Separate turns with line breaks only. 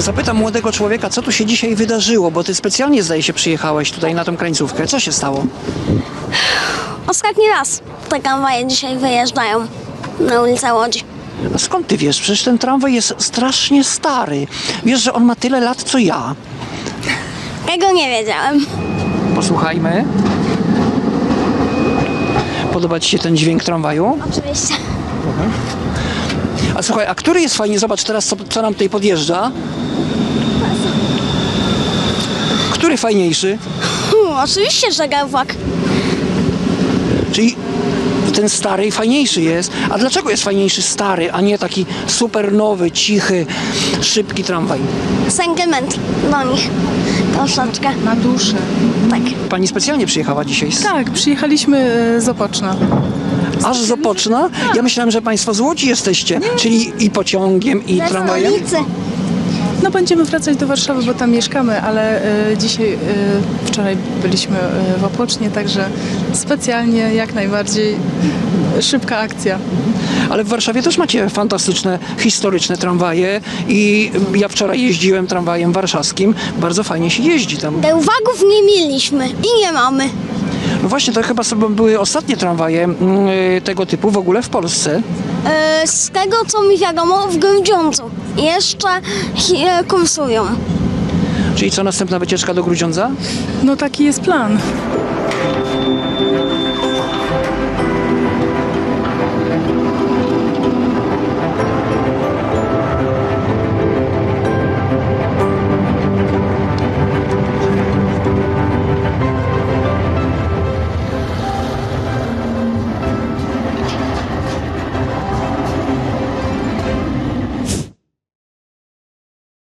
Zapytam młodego człowieka, co tu się dzisiaj wydarzyło, bo ty specjalnie, zdaje się, przyjechałeś tutaj na tą krańcówkę. Co się stało?
Ostatni raz te tramwaje dzisiaj wyjeżdżają na ulicę Łodzi.
A skąd ty wiesz? Przecież ten tramwaj jest strasznie stary. Wiesz, że on ma tyle lat, co ja.
Tego nie wiedziałem.
Posłuchajmy. Podoba ci się ten dźwięk tramwaju?
Oczywiście.
A słuchaj, a który jest fajnie? Zobacz teraz, co nam tutaj podjeżdża. Który fajniejszy?
Oczywiście, że Gałwak.
Czyli ten stary fajniejszy jest. A dlaczego jest fajniejszy stary, a nie taki super nowy, cichy, szybki tramwaj?
Sentyment do nich. Troszeczkę.
Na duszę.
Tak.
Pani specjalnie przyjechała dzisiaj
Tak, przyjechaliśmy z Opoczna.
aż z Opoczna? Ja myślałem, że państwo z Łodzi jesteście, czyli i pociągiem, i
Ze
tramwajem.
stolicy.
No będziemy wracać do Warszawy, bo tam mieszkamy, ale dzisiaj, wczoraj byliśmy w Opocznie, także specjalnie jak najbardziej szybka akcja.
Ale w Warszawie też macie fantastyczne, historyczne tramwaje i ja wczoraj jeździłem tramwajem warszawskim. Bardzo fajnie się jeździ tam.
Gałwaków nie mieliśmy i nie mamy.
No właśnie, to chyba sobie były ostatnie tramwaje tego typu w ogóle w Polsce.
Z tego, co mi wiadomo, w Grudziądzu jeszcze kursują.
Czyli co, następna wycieczka do Grudziądza?
No taki jest plan.